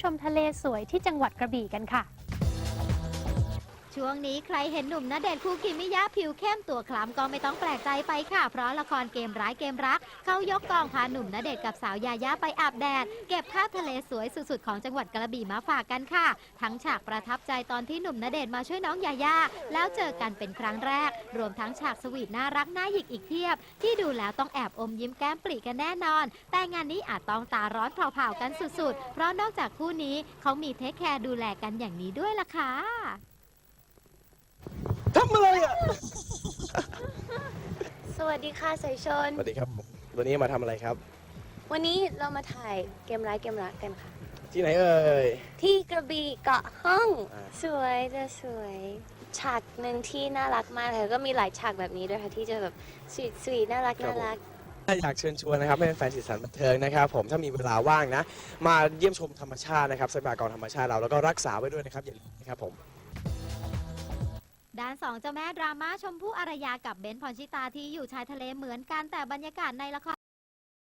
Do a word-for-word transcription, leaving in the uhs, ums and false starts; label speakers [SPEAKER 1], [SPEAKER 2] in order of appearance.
[SPEAKER 1] มทะเลสวยที่จังหวัดกระบี่กันค่ะ
[SPEAKER 2] ช่วงนี้ใครเห็นหนุ่มณเดชน์คูกิมิยะผิวเข้มตัวคล้ำก็ไม่ต้องแปลกใจไปค่ะเพราะละครเกมร้ายเกมรักเขายกกองพาหนุ่มณเดชน์กับสาวยายาไปอาบแดดเก็บภาพทะเลสวยสุดๆของจังหวัดกระบี่มาฝากกันค่ะทั้งฉากประทับใจตอนที่หนุ่มณเดชน์มาช่วยน้องยายาแล้วเจอกันเป็นครั้งแรกรวมทั้งฉากสวีทน่ารักน่าหยิกอีกเพียบที่ดูแล้วต้องแอบอมยิ้มแก้มปรีกันแน่นอนแต่งานนี้อาจต้องตาร้อนเผาๆกันสุดๆเพราะนอกจากคู่นี้เขามีเทคแคร์ดูแลกันอย่างนี้ด้วยล่ะค่ะ
[SPEAKER 3] ทำอะไรอ่ะ
[SPEAKER 4] สวัสดีค่ะสายชน
[SPEAKER 3] สวัสดีครับ วันนี้มาทำอะไรครับ
[SPEAKER 4] วันนี้เรามาถ่ายเกมร้ายเกมรักกันค่ะ
[SPEAKER 3] ที่ไหนเอ่ย
[SPEAKER 4] ที่กระบี่เกาะห้อง
[SPEAKER 3] อ่า
[SPEAKER 4] สวยจะสวย ฉากหนึ่งที่น่ารักมากค่ะก็มีหลายฉากแบบนี้ด้วยค่ะที่จะแบบสวีทสวีทน่ารักน่ารัก
[SPEAKER 3] อยากเชิญชวนนะครับให้แฟนสีสันบันเทิงนะครับผมถ้ามีเวลาว่างนะ มาเยี่ยมชมธรรมชาตินะครับทรัพยากรธรรมชาติเราแล้วก็รักษาไว้ด้วยนะครับอย่าลืมนะครับผม
[SPEAKER 2] ด้านสองเจ้าแม่ดราม่าชมพู่อารยากับเบนซ์พรชิตาที่อยู่ชายทะเลเหมือนกันแต่บรรยากาศในละคร